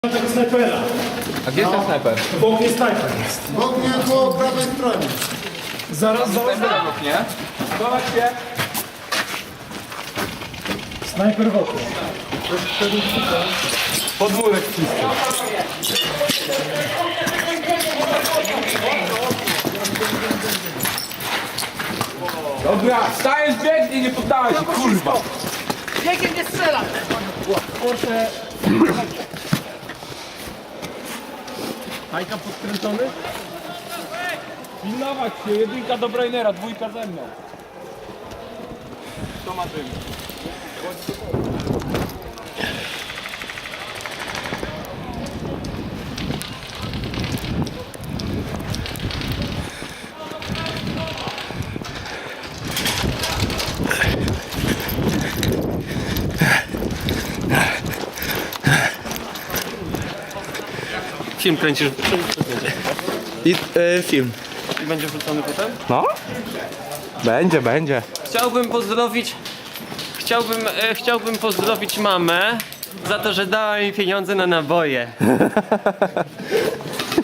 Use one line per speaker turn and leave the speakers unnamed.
tego snajpera.
A gdzie jest ten snajper?
W oknie snajper jest.
W ogóle po prawej stronie.
Zaraz,
Nie? Zobacz się.
snajper w oknie.
Podwórek czysty. Dobra, stajesz, biegnie, nie poddałeś się, kurwa.
Biegiem nie strzelam!
Hajka podkręcony?
Pilnować się, jedynka do Brainera, dwójka ze mną. Kto ma dym?
Film kręcisz
I film.
i będzie wrzucony potem?
No? Będzie.
Chciałbym pozdrowić mamę za to, że dała mi pieniądze na naboje.